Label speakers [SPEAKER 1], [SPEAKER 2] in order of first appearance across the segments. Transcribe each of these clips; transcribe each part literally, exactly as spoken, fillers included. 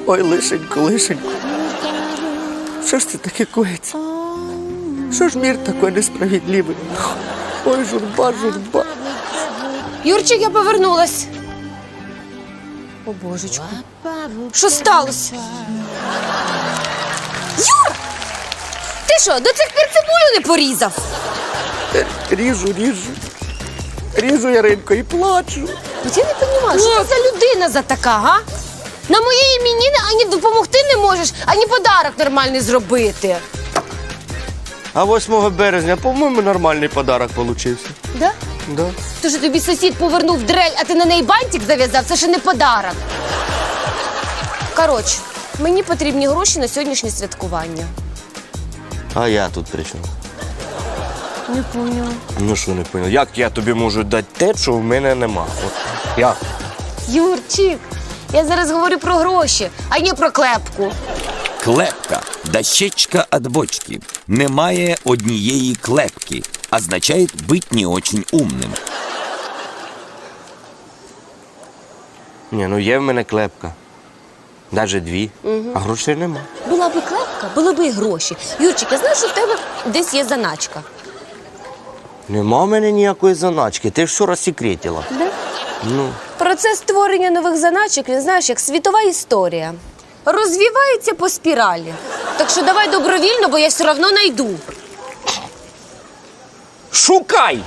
[SPEAKER 1] Ой, лишенько, лишенько. Що ж це таке коїться? Що ж мір такий несправедливий? Ой, журба, журба.
[SPEAKER 2] Юрчик, я повернулась. О, божечку. Що сталося? Юр! Ти що, до цих пір цибулю не порізав?
[SPEAKER 1] Ріжу, ріжу. Ріжу, Яринко, і плачу.
[SPEAKER 2] От я не розумію, що це за людина за така, га? На моєї іменини ані допомогти не можеш, ані подарок нормальний зробити.
[SPEAKER 1] А восьмого березня, по-моєму, нормальний подарок получився.
[SPEAKER 2] Да?
[SPEAKER 1] Да.
[SPEAKER 2] То, що тобі сусід повернув дрель, а ти на неї бантик зав'язав, це ще не подарок. Коротше, мені потрібні гроші на сьогоднішнє святкування.
[SPEAKER 1] А я тут при чому?
[SPEAKER 2] Не поняла.
[SPEAKER 1] Ну що не поняв? Як я тобі можу дати те, що в мене нема? От як?
[SPEAKER 2] Юрчик, я зараз говорю про гроші, а не про клепку.
[SPEAKER 3] Клепка – дощечка от бочки. Немає однієї клепки. Означает быть не очень умным.
[SPEAKER 1] Ні, ну є в мене клепка. Навіть дві, угу. А грошей нема.
[SPEAKER 2] Була би клепка, були б і гроші. Юрчик, я знаю, що в тебе десь є заначка.
[SPEAKER 1] Нема в мене ніякої заначки. Ти ж що розсекретила?
[SPEAKER 2] Да?
[SPEAKER 1] Ну.
[SPEAKER 2] Процес створення нових заначок, він, знаєш, як світова історія. Розвивається по спіралі. Так що давай добровільно, бо я все одно знайду.
[SPEAKER 1] Шукай!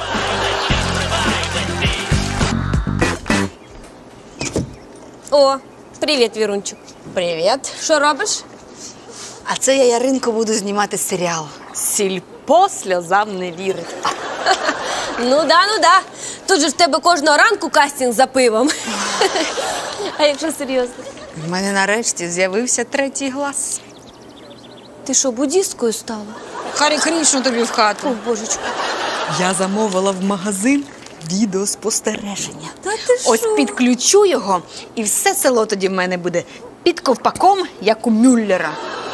[SPEAKER 2] О, привіт, Вірунчик.
[SPEAKER 4] Привіт.
[SPEAKER 2] Що робиш?
[SPEAKER 4] А це я, Яринко, буду знімати серіал. Сільпо сльозам не вірить.
[SPEAKER 2] Ну да, ну да. Тут же в тебе кожного ранку кастинг за пивом. А якщо серйозно?
[SPEAKER 4] У мене нарешті з'явився третій глас.
[SPEAKER 2] Ти що, буддісткою стала?
[SPEAKER 4] Харі Крішну тобі в
[SPEAKER 2] О,
[SPEAKER 4] хату.
[SPEAKER 2] божечку.
[SPEAKER 4] Я замовила в магазин відеоспостереження.
[SPEAKER 2] Та ти що?
[SPEAKER 4] Ось підключу його, і все село тоді в мене буде під ковпаком, як у Мюллера.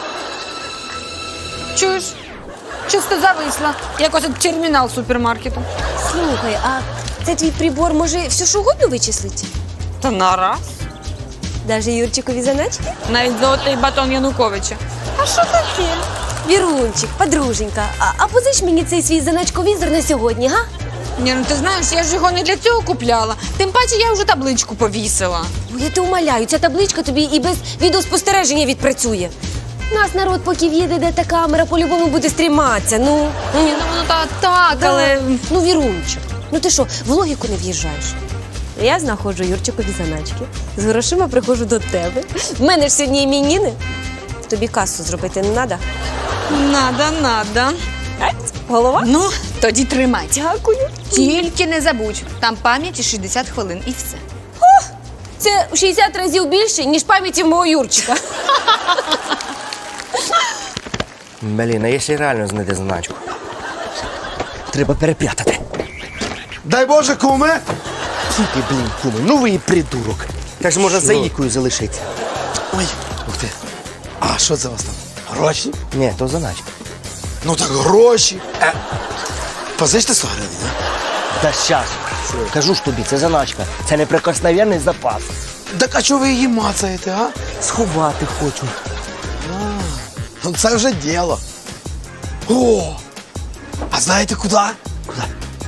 [SPEAKER 4] Чуєш? Чисто зависла, як ось термінал супермаркету.
[SPEAKER 2] Слухай, а цей твій прибор може все що угодно вичислити?
[SPEAKER 4] Та нараз.
[SPEAKER 2] Даже Юрчикові заначки?
[SPEAKER 4] Навіть золотий батон Януковича. А що таке?
[SPEAKER 2] Вірунчик, подруженька, а, а позич мені цей свій заначковізор на сьогодні, га?
[SPEAKER 4] Ні, ну ти знаєш, я ж його не для цього купляла. Тим паче я вже табличку повісила.
[SPEAKER 2] Ну, я те умоляю, ця табличка тобі і без відеоспостереження відпрацює. Нас народ, поки в'їде, де та камера, по-любому буде стріматися, ну.
[SPEAKER 4] Ні, ну воно так, так,
[SPEAKER 2] Да.
[SPEAKER 4] але...
[SPEAKER 2] Ну, Вірунчик, ну ти що, в логіку не в'їжджаєш? Я знаходжу Юрчикові заначки, з грошима приходжу до тебе. В мене ж сьогодні іменини. Тобі касу зробити не треба?
[SPEAKER 4] Надо, надо.
[SPEAKER 2] Голова?
[SPEAKER 4] Ну, тоді тримай.
[SPEAKER 2] Дякую.
[SPEAKER 4] Тільки не забудь, там пам'яті шістдесят хвилин і все.
[SPEAKER 2] Це в шістдесят разів більше, ніж пам'яті мого Юрчика.
[SPEAKER 1] Блін, а якщо реально знайти заначку? Треба перепрятати.
[SPEAKER 5] Дай Боже, куме!
[SPEAKER 1] Тільки, блін, куми, ну ви і придурок. Так ж можна за Ікою залишитися.
[SPEAKER 5] Ой, ух ти. А що це у вас там? Гроші?
[SPEAKER 1] Ні, то заначка.
[SPEAKER 5] Ну так гроші. Е, позичте сто гривень, а?
[SPEAKER 1] Та щас. Кажу ж тобі, це заначка. Це неприкосновенний запас.
[SPEAKER 5] Так а чого ви її мацаєте, а?
[SPEAKER 1] Сховати хочу.
[SPEAKER 5] Ну це вже діло. О! А знаєте куди?
[SPEAKER 1] Куди?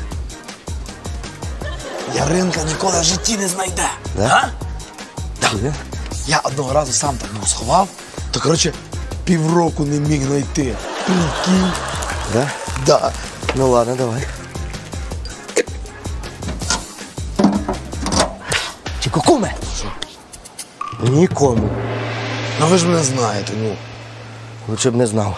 [SPEAKER 5] Яринка ніколи в житті не знайде.
[SPEAKER 1] Да?
[SPEAKER 5] А? Да.
[SPEAKER 1] Куди?
[SPEAKER 5] Я одного разу сам так ну, сховав, то, коротше, півроку не міг знайти. Прикинь.
[SPEAKER 1] Да?
[SPEAKER 5] Да.
[SPEAKER 1] Ну ладно, давай. Тільки куме.
[SPEAKER 5] Що?
[SPEAKER 1] Нікому.
[SPEAKER 5] Ну ви ж мене знаєте, ну.
[SPEAKER 1] Лучше б не знав.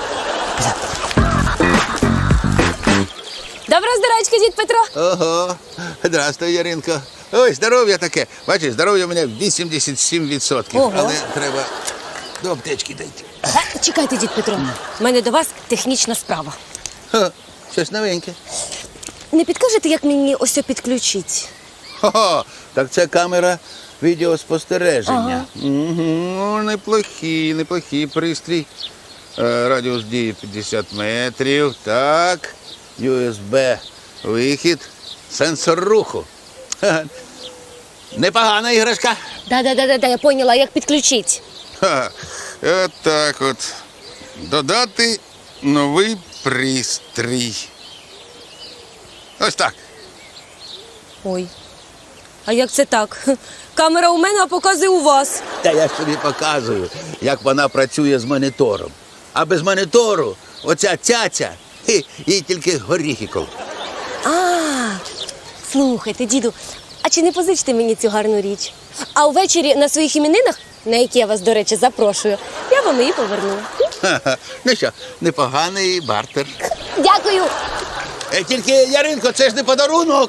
[SPEAKER 2] Добра здорачка, дід Петро.
[SPEAKER 6] Ого, здравствуй, Яринко. Ой, здоров'я таке. Бачиш, здоров'я у мене вісімдесят сім відсотків.
[SPEAKER 2] Ого.
[SPEAKER 6] Але треба до аптечки дійти.
[SPEAKER 2] А, чекайте, дід Петро. У мене до вас технічна справа.
[SPEAKER 6] Ха, щось новеньке.
[SPEAKER 2] Не підкажете, як мені ось підключити?
[SPEAKER 6] Хо-хо, так це камера відеоспостереження. Угу, неплохий, неплохий пристрій. Е, Радіус дії п'ятдесят метрів. Так, ю ес бі вихід, сенсор руху. Ха, непогана іграшка.
[SPEAKER 2] Да-да-да, я поняла, як підключити.
[SPEAKER 6] Ха, от так от. Додати новий пристрій. Ось так.
[SPEAKER 2] Ой. А як це так? Камера у мене, а показує у вас.
[SPEAKER 6] Та я ж тобі показую, як вона працює з монітором. А без монітору оця цяця, хі, їй тільки горіхи коло.
[SPEAKER 2] А, слухайте, діду, а чи не позичите мені цю гарну річ? А увечері на своїх іменинах, на які я вас, до речі, запрошую, я вам її поверну.
[SPEAKER 6] Ха-ха. Ну що, непоганий бартер.
[SPEAKER 2] Дякую.
[SPEAKER 6] Е, тільки, Яринко, це ж не подарунок.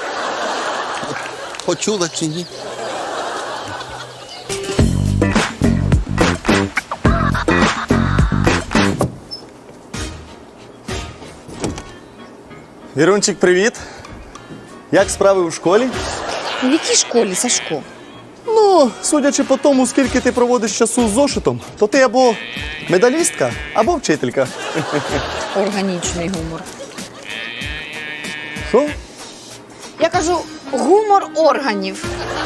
[SPEAKER 6] Почула чи ні?
[SPEAKER 7] Вірунчик, привіт. Як справи у школі?
[SPEAKER 4] В якій школі, Сашко?
[SPEAKER 7] Ну, судячи по тому, скільки ти проводиш часу з зошитом, то ти або медалістка, або вчителька.
[SPEAKER 4] Органічний гумор.
[SPEAKER 7] Що?
[SPEAKER 4] Я кажу, гумор органів.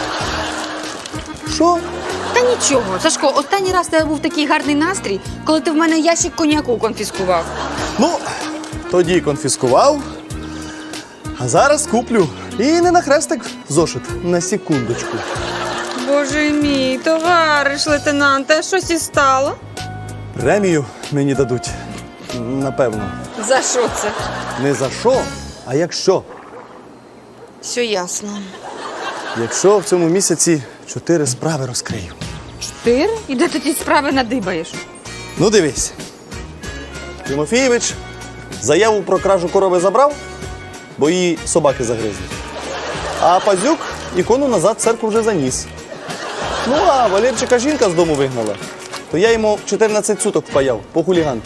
[SPEAKER 7] Що?
[SPEAKER 4] Та нічого, Сашко, останній раз у тебе був такий гарний настрій, коли ти в мене ящик коньяку конфіскував.
[SPEAKER 7] Ну, тоді конфіскував, а зараз куплю. І не на хрестик зошит, на секундочку.
[SPEAKER 8] Боже мій, товариш лейтенанте, щось і стало?
[SPEAKER 7] Премію мені дадуть, напевно.
[SPEAKER 4] За що це?
[SPEAKER 7] Не за що, а якщо.
[SPEAKER 4] Все ясно.
[SPEAKER 7] Якщо в цьому місяці чотири справи розкрию.
[SPEAKER 4] Чотири? І де ти ті справи надибаєш?
[SPEAKER 7] Ну, дивись. Тимофійович заяву про кражу корови забрав, бо її собаки загризли. А Пазюк ікону назад в церкву вже заніс. Ну, а Валерчика жінка з дому вигнала, то я йому чотирнадцять суток впаяв по хуліганки.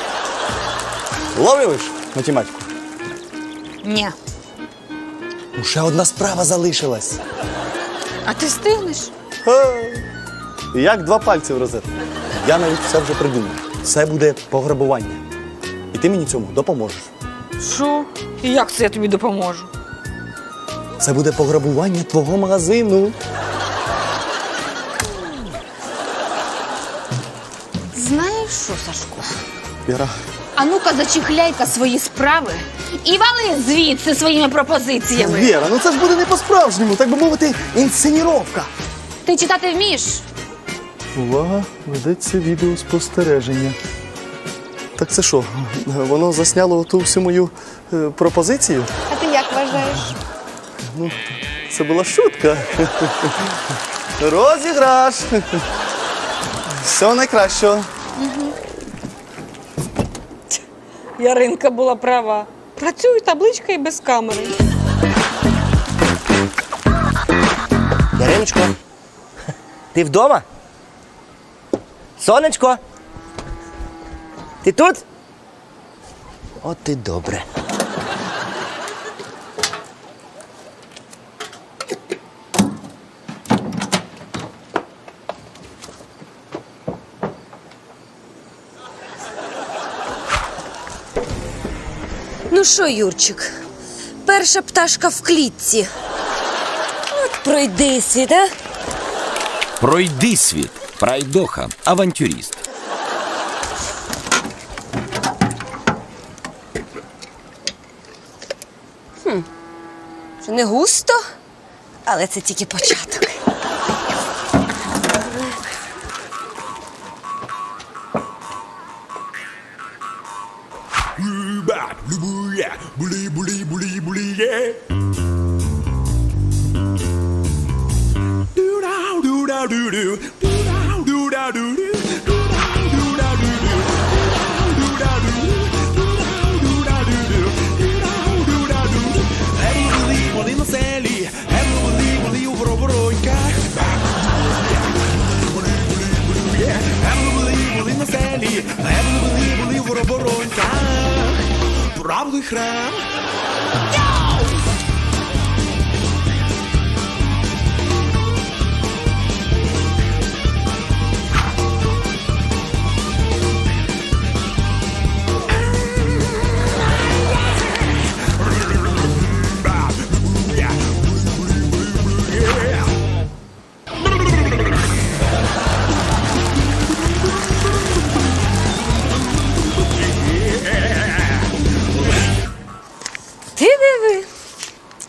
[SPEAKER 7] Ловиш математику?
[SPEAKER 4] Ні.
[SPEAKER 7] Ну, ще одна справа залишилась.
[SPEAKER 4] А ти встигнеш?
[SPEAKER 7] Ха. Як два пальці в розетку. Я навіть все вже придумав. Це буде пограбування. І ти мені цьому допоможеш.
[SPEAKER 4] Що? І як це я тобі допоможу?
[SPEAKER 7] Це буде пограбування твого магазину.
[SPEAKER 4] Знаєш що, Сашко?
[SPEAKER 7] Віра,
[SPEAKER 4] А ну-ка зачехляй-ка свої справи і вали звідси своїми пропозиціями.
[SPEAKER 7] Віра, ну це ж буде не по-справжньому, так би мовити, інсценіровка.
[SPEAKER 4] Ти читати вмієш?
[SPEAKER 7] Увага, ведеться відеоспостереження. Так це що, воно засняло ту всю мою е, пропозицію?
[SPEAKER 4] А ти як вважаєш?
[SPEAKER 7] Ну, це була шутка. Розіграш. Всього найкращого.
[SPEAKER 8] Яринка була права. Працює табличка і без камери.
[SPEAKER 9] Яриночко, ти вдома? Сонечко? Ти тут? От і добре.
[SPEAKER 2] Ну що, Юрчик, перша пташка в клітці. От пройди світ, а?
[SPEAKER 3] Пройди світ. Пройдоха. Авантюрист.
[SPEAKER 2] Що не густо, але це тільки початок.
[SPEAKER 10] Правди храм.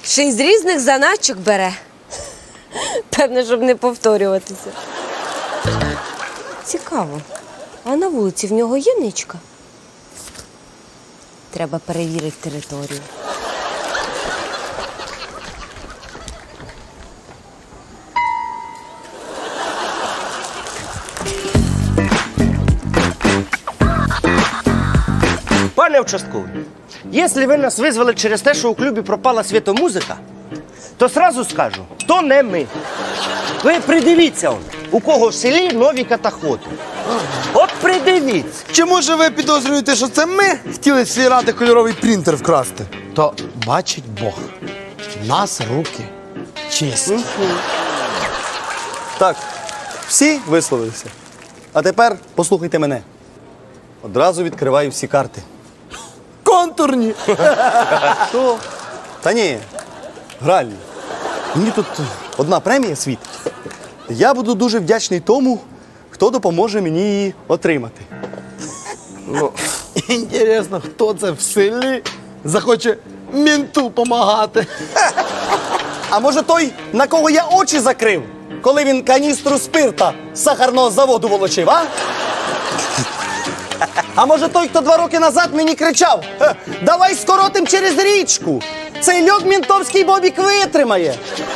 [SPEAKER 2] Ще й з різних заначок бере. Певне, щоб не повторюватися. Цікаво. А на вулиці в нього є ничка? Треба перевірити територію.
[SPEAKER 9] Пане участковий, якщо ви нас визвали через те, що у клубі пропала світомузика, то сразу скажу, то не ми. Ви придивіться, он, у кого в селі нові катаходи. От придивіться.
[SPEAKER 5] Чи може ви підозрюєте, що це ми хотіли з цієї ради кольоровий принтер вкрасти? То бачить Бог. В нас руки чисті.
[SPEAKER 7] Так, всі висловилися. А тепер послухайте мене. Одразу відкриваю всі карти.
[SPEAKER 5] Контурні.
[SPEAKER 7] Що? Та ні, гральні. Мені тут одна премія світить. Я буду дуже вдячний тому, хто допоможе мені її отримати.
[SPEAKER 5] Ну, інтересно, хто це в селі захоче мінту помагати.
[SPEAKER 7] А може той, на кого я очі закрив, коли він каністру спирта з сахарного заводу волочив, а? А може той, хто два роки назад мені кричав: «Е, давай скоротим через річку, цей льод мінтовський бобік витримає».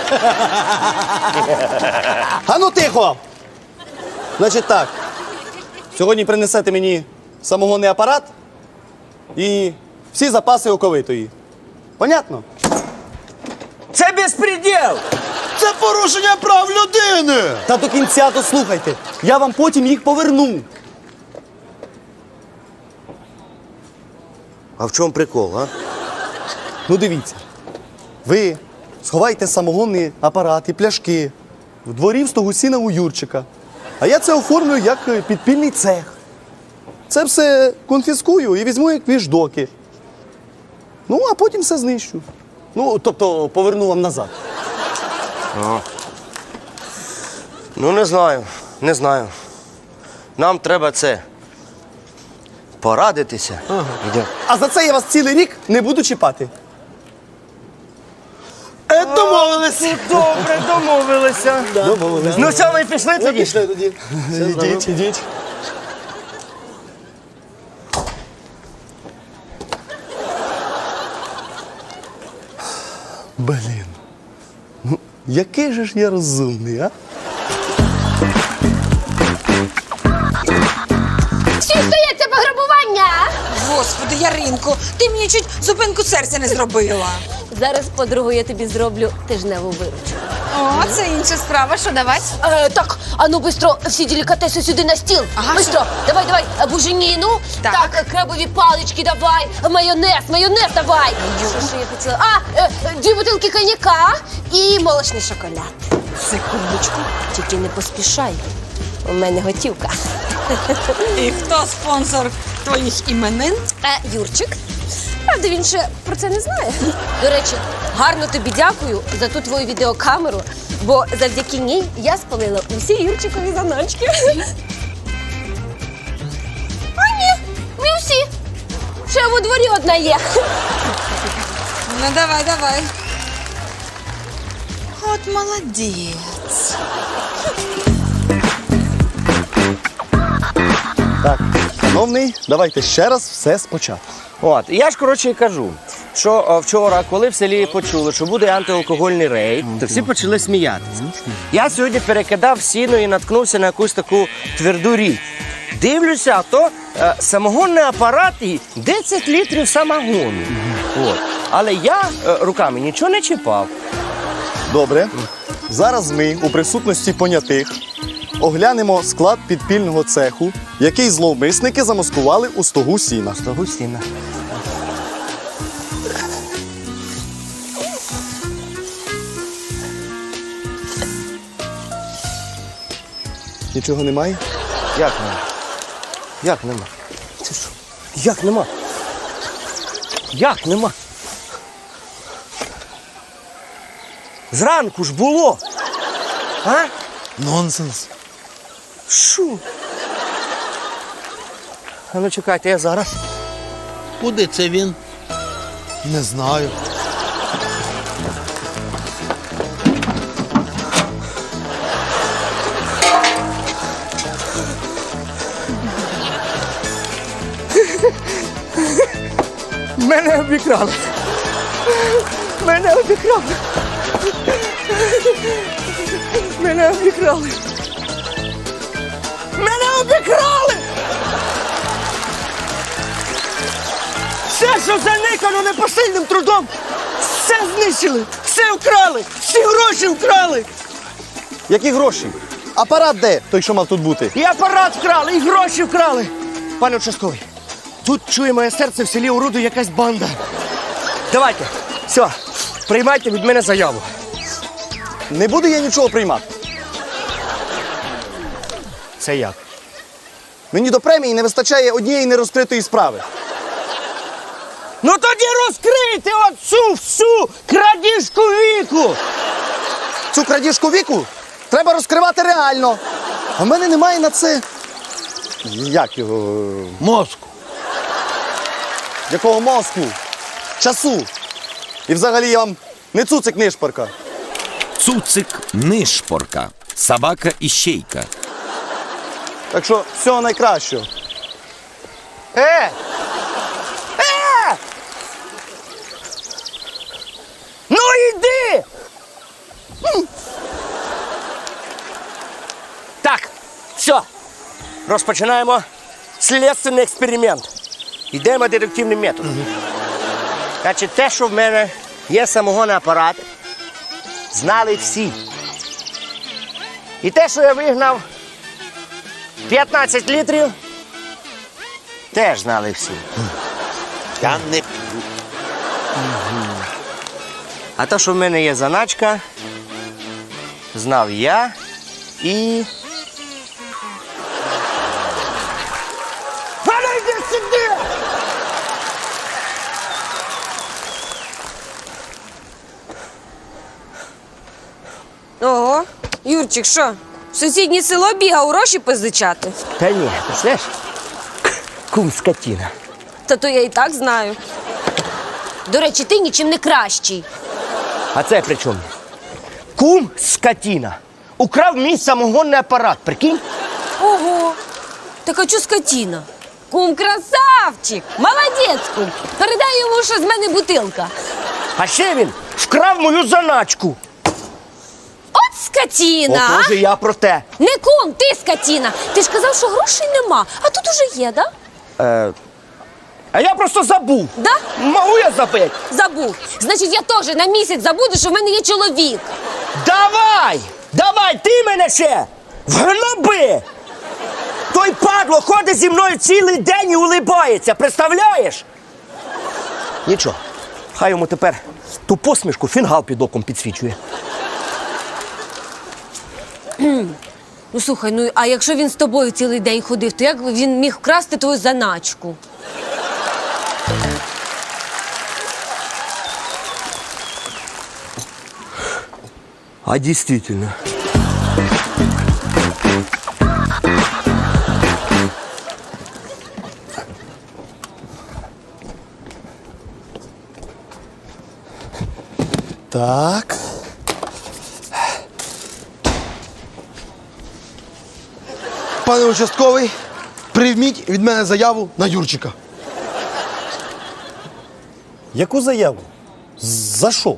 [SPEAKER 7] А ну тихо! Значить так, сьогодні принесете мені самогонний апарат і всі запаси оковитої. Понятно?
[SPEAKER 9] Це безпреділ!
[SPEAKER 5] Це порушення прав людини!
[SPEAKER 7] Та до кінця дослухайте, я вам потім їх поверну.
[SPEAKER 9] А в чому прикол, а?
[SPEAKER 7] Ну дивіться, ви сховайте самогонний апарат і пляшки в дворі в Стогусіна у Юрчика, а я це оформлю як е, підпільний цех. Це все конфіскую і візьму як віждоки. Ну, а потім все знищу. Ну, тобто поверну вам назад.
[SPEAKER 9] Ну, не знаю, не знаю. Нам треба це порадитися. Ага.
[SPEAKER 7] А за це я вас цілий рік не буду чіпати.
[SPEAKER 5] Е, домовились.
[SPEAKER 9] Добре, домовилися.
[SPEAKER 7] Домовились.
[SPEAKER 9] Ну все, ми пішли тоді?
[SPEAKER 7] Пішли тоді. Ідіть, ідіть. Блін. Ну, який же ж я розумний, а?
[SPEAKER 2] Всі стоять, це пограбування!
[SPEAKER 8] Господи, Яринко, ти мені чуть зупинку серця не зробила.
[SPEAKER 2] Зараз, подругу, я тобі зроблю тижневу виручку.
[SPEAKER 8] О, це інша справа, що давать?
[SPEAKER 2] Е, так, а ну бистро всі делікатеси сюди на стіл.
[SPEAKER 8] Ага,
[SPEAKER 2] Бистро, давай, давай, е, буженіну.
[SPEAKER 8] Так.
[SPEAKER 2] Так, е, крабові палички давай, майонез, майонез давай. Що ж я хотіла? А, е, е, дві бутилки коньяка і молочний шоколад.
[SPEAKER 8] Секундочку.
[SPEAKER 2] Тільки не поспішай, у мене готівка.
[SPEAKER 8] І хто спонсор твоїх іменин?
[SPEAKER 2] Е, Юрчик. Правда, він ще про це не знає. До речі, гарно тобі дякую за ту твою відеокамеру, бо завдяки ній я спалила усі Юрчикові заначки. А ні, не всі. Ще во дворі одна є.
[SPEAKER 8] Ну, давай, давай. От молодець.
[SPEAKER 7] Так, шановний, давайте ще раз все спочатку.
[SPEAKER 9] От, я ж, коротше, і кажу, що о, вчора, коли в селі почули, що буде антиалкогольний рейд, то всі почали сміятися. Я сьогодні перекидав сіно і наткнувся на якусь таку тверду річ. Дивлюся, а то е, самогонний апарат і десять літрів самогону. От. Але я е, руками нічого не чіпав.
[SPEAKER 7] Добре. Зараз ми у присутності понятих оглянемо склад підпільного цеху, який зловмисники замаскували у стогу сіна.
[SPEAKER 9] Стогу сіна.
[SPEAKER 7] Нічого немає?
[SPEAKER 9] Як нема? Як нема? Це що? Як нема? Як нема? Зранку ж було. А?
[SPEAKER 5] Нонсенс.
[SPEAKER 9] Що? А ну чекайте, я зараз.
[SPEAKER 6] Куди це він?
[SPEAKER 5] Не знаю.
[SPEAKER 9] Мене обікрали. Мене обікрали. Мене обікрали. Мене обікрали! Все, що заникано непосильним трудом, все знищили, все вкрали, всі гроші вкрали.
[SPEAKER 7] Які гроші? Апарат де? Той, що мав тут бути.
[SPEAKER 9] І апарат вкрали, і гроші вкрали. Пане участковий, тут чує моє серце, в селі орудує якась банда. Давайте, все, приймайте від мене заяву.
[SPEAKER 7] Не буду я нічого приймати.
[SPEAKER 9] Це як?
[SPEAKER 7] Мені до премії не вистачає однієї нерозкритої справи.
[SPEAKER 9] Ну тоді розкрийте оцю всю крадіжку віку!
[SPEAKER 7] Цю крадіжку віку треба розкривати реально. А в мене немає на це. Як його?
[SPEAKER 6] Мозку.
[SPEAKER 7] Якого мозку? Часу. І взагалі я вам не цуцик нишпорка.
[SPEAKER 3] Цуцик нишпорка. Собака іщейка.
[SPEAKER 7] Так що всього найкращого.
[SPEAKER 9] Е! Е! Ну йди! М. Так, все. Розпочинаємо слідственний експеримент. Йдемо дедуктивним методом. Значить, те, що в мене є самогонний апарат, знали всі. І те, що я вигнав п'ятнадцять літрів, теж знали всі.
[SPEAKER 6] Я не п'ю.
[SPEAKER 9] А те, що в мене є заначка, знав я і... Валя, йди сюди!
[SPEAKER 2] Ого, Юрчик, що? В сусіднє село бігав гроші позичати?
[SPEAKER 9] Та ні, ти знаєш, кум скотина.
[SPEAKER 2] Та то я і так знаю. До речі, ти нічим не кращий.
[SPEAKER 9] А це при чому? Кум скотина украв мій самогонний апарат, прикинь?
[SPEAKER 2] Ого, так а чо скотіна? Кум красавчик, молодець, кум. Передай йому, що з мене бутилка.
[SPEAKER 9] А ще він вкрав мою заначку.
[SPEAKER 2] От скотіна! а?
[SPEAKER 9] Отже, я про те.
[SPEAKER 2] Не кум, ти скотіна. Ти ж казав, що грошей нема, а тут уже є, да?
[SPEAKER 9] Е, а я просто забув.
[SPEAKER 2] Да?
[SPEAKER 9] Могу я забити?
[SPEAKER 2] Забув. Значить, я теж на місяць забуду, що в мене є чоловік.
[SPEAKER 9] Давай! Давай, ти мене ще! Вгноби! Той падло ходить зі мною цілий день і улибається, представляєш? Нічого, хай йому тепер ту посмішку фінгал під оком підсвічує.
[SPEAKER 2] Ну слухай, ну а якщо він з тобою цілий день ходив, то як він міг вкрасти твою заначку?
[SPEAKER 9] А дійсно.
[SPEAKER 5] Так. Пане участковий, прийміть від мене заяву на Юрчика.
[SPEAKER 7] Яку заяву? За що?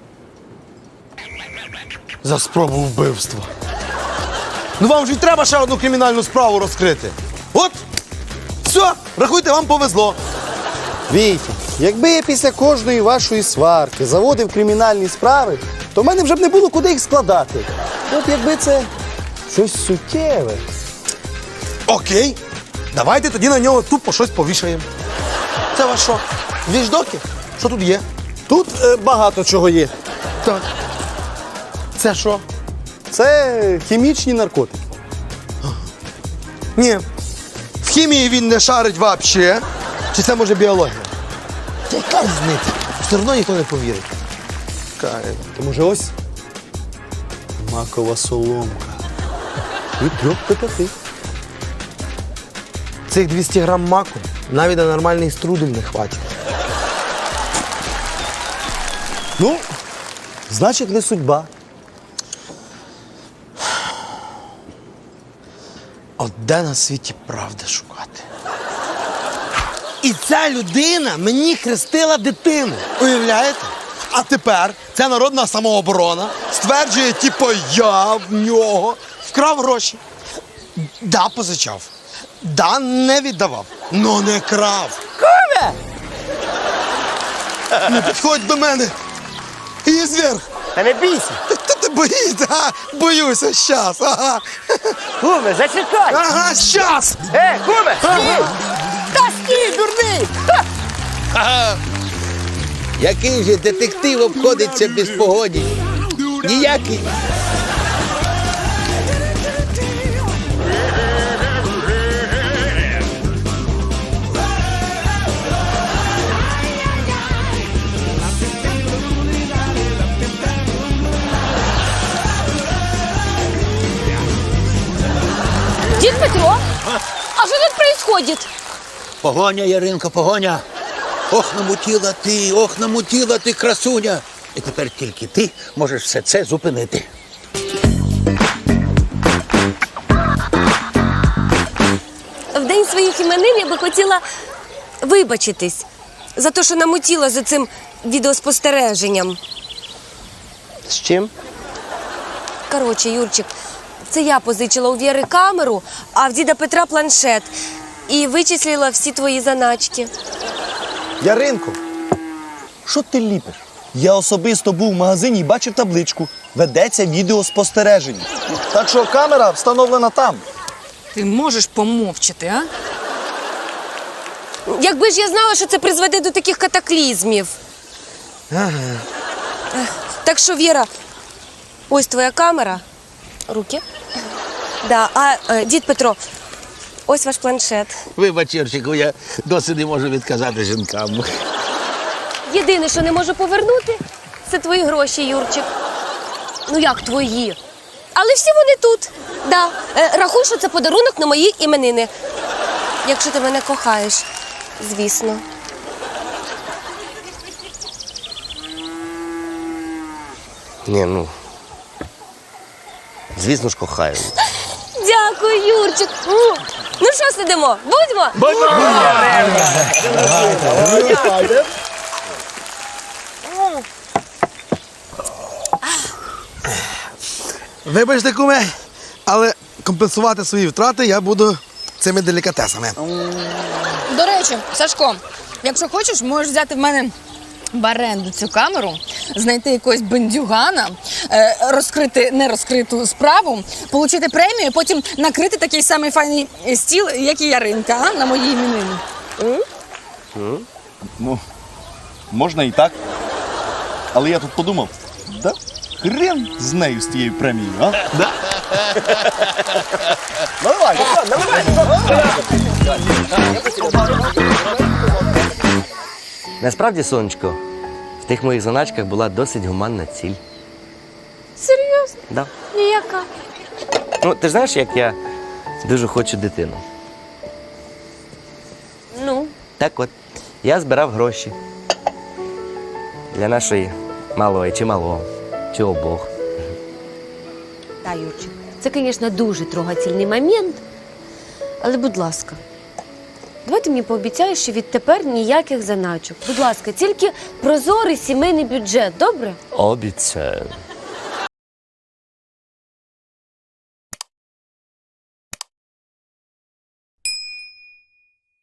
[SPEAKER 5] За спробу вбивства. Ну вам ж і треба ще одну кримінальну справу розкрити. От, все, рахуйте, вам повезло.
[SPEAKER 7] Вітя, якби я після кожної вашої сварки заводив кримінальні справи, то в мене вже б не було куди їх складати. От якби це щось суттєве.
[SPEAKER 5] Окей, давайте тоді на нього тупо щось повішаємо. Це ваш що? Віждоки? Що тут є?
[SPEAKER 7] Тут е, багато чого є.
[SPEAKER 5] Так. Це що?
[SPEAKER 7] Це хімічні наркотики.
[SPEAKER 5] Ні. В хімії він не шарить взагалі. Чи це може біологія? Та яка різниця? Все одно ніхто не повірить. Кай.
[SPEAKER 7] То може ось макова соломка. Від трьох до п'яти.
[SPEAKER 5] Цих двісті грам маку навіть на нормальний струдель не хватить.
[SPEAKER 7] Ну, значить, не судьба.
[SPEAKER 5] От де на світі правди шукати? І ця людина мені хрестила дитину. Уявляєте? А тепер ця народна самооборона стверджує, типу, я в нього вкрав гроші. Да, позичав. Да, не віддавав. Но не крав.
[SPEAKER 9] Куме!
[SPEAKER 5] Не підходь до мене. І зверх.
[SPEAKER 9] Та не бійся.
[SPEAKER 5] Та ти боїшся? Ага, боюся, щас. Ага.
[SPEAKER 9] Куме, зачекай.
[SPEAKER 5] Ага, щас.
[SPEAKER 9] Е, куме, стій!
[SPEAKER 5] Та стій, дурний.
[SPEAKER 6] Який же детектив обходиться без погоні? Ніякий.
[SPEAKER 2] Дід Петро, а що тут происходит?
[SPEAKER 6] Погоня, Яринко, погоня. Ох, намутіла ти, ох, намутіла ти, красуня. І тепер тільки ти можеш все це зупинити.
[SPEAKER 2] В день своїх іменин я би хотіла вибачитись за те, що намутіла за цим відеоспостереженням.
[SPEAKER 9] З чим?
[SPEAKER 2] Коротше, Юрчик, це я позичила у Віри камеру, а в діда Петра планшет. І вичислила всі твої заначки.
[SPEAKER 7] Яринко, що ти ліпиш? Я особисто був в магазині і бачив табличку. Ведеться відеоспостереження. Так що камера встановлена там.
[SPEAKER 8] Ти можеш помовчати, а?
[SPEAKER 2] Якби ж я знала, що це призведе до таких катаклізмів.
[SPEAKER 5] Ага.
[SPEAKER 2] Так що, Віра, ось твоя камера. Руки. Да, а е, дід Петро, ось ваш планшет.
[SPEAKER 6] Вибач, Юрчику, я досі не можу відказати жінкам.
[SPEAKER 2] Єдине, що не можу повернути, це твої гроші, Юрчик. Ну як твої? Але всі вони тут. Да. Е, рахуй, що це подарунок на мої іменини. Якщо ти мене кохаєш, звісно.
[SPEAKER 9] Ні, ну. Звісно ж, кохаю.
[SPEAKER 2] Дякую, Юрчик. М. Ну що сидимо? Будьмо?
[SPEAKER 5] Вибачте, куме, але компенсувати свої втрати я буду цими делікатесами.
[SPEAKER 8] До речі, Сашко, якщо хочеш, можеш взяти в мене в оренду цю камеру, знайти якогось бандюгана, е, розкрити нерозкриту справу, отримати премію, потім накрити такий самий файний стіл, як і Яринка, а, на мої іменини.
[SPEAKER 7] Ну, можна і так. Але я тут подумав, да? Хрен з нею, з тією премією, а? Да? Наливай, наливай,
[SPEAKER 9] Насправді, сонечко, в тих моїх заначках була досить гуманна ціль.
[SPEAKER 2] Серйозно?
[SPEAKER 9] Да.
[SPEAKER 2] Ніяка.
[SPEAKER 9] Ну, ти ж знаєш, як я дуже хочу дитину.
[SPEAKER 2] Ну,
[SPEAKER 9] Так от, я збирав гроші для нашої малої чи малого, чи обох.
[SPEAKER 2] так, Юрчик. Це, звісно, дуже трогательний момент. Але, будь ласка, давай ти мені пообіцяєш, що відтепер ніяких заначок. Будь ласка, тільки прозорий сімейний бюджет, добре?
[SPEAKER 9] Обіцяю.